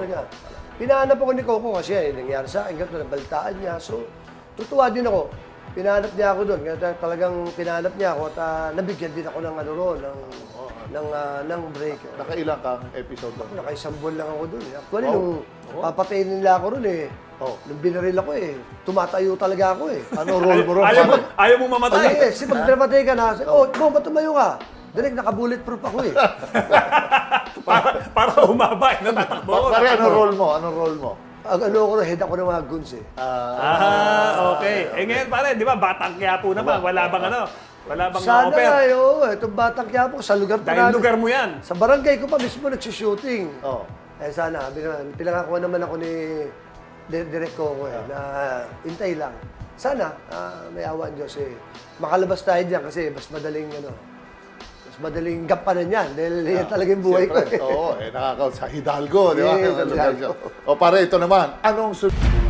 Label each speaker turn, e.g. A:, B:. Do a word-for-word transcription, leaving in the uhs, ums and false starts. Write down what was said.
A: niya. Pinahanap ako ni Coco kasi eh, nangyari sa akin, ganito, nabalitaan niya. So, tutuwa din ako. Pinahanap niya ako doon. Kaya talagang pinahanap niya ako at uh, nabigyan din ako ng ano roon, ng, oh, ng, uh, ng break.
B: Nakailang kang episode doon?
A: Nakaisang buwan lang ako doon. Actually,
B: Oh.
A: nung
B: Oh.
A: papatayin nila ako roon eh,
B: Oh.
A: nung binaril ako eh, tumatayo talaga ako eh.
B: Ano role mo ron?
C: Ayaw mo,
B: pare?
C: ayaw mo
A: Ay,
C: mamatay.
A: eh, kasi pag dramatay ka na, oh, mo, ba't tumayo ka? Direk, naka-bulletproof ako eh.
C: para, para humaba, eh, natatakbo ko.
B: Pare, ano role mo? Ano role mo?
A: Ang ano ko, head ako ng mga guns eh.
C: Ah, okay. Eh ngayon pare, di ba, Batang Quiapo naman. Wala bang ano? Wala bang
A: Sana
C: offer?
A: nga yun, itong batang Quiapo, sa lugar pa
C: Dahil
A: namin.
C: lugar mo yan.
A: Sa barangay ko pa mismo nagsushooting.
B: Oh.
A: Eh sana, sabi naman, pinangakuha naman ako ni Di- Direk Coco eh, na hintay lang. Sana, ah, may awa ang Diyos eh. Makalabas tayo dyan kasi mas madaling ano, mas madaling gampanan yan. Dahil yan talaga yung buhay ko
B: Siyempre,
A: eh.
B: oo, eh, nakaka sa Hidalgo, di ba?
A: Yeah,
B: Ano,
A: Hidalgo.
B: O pare, ito naman, anong su-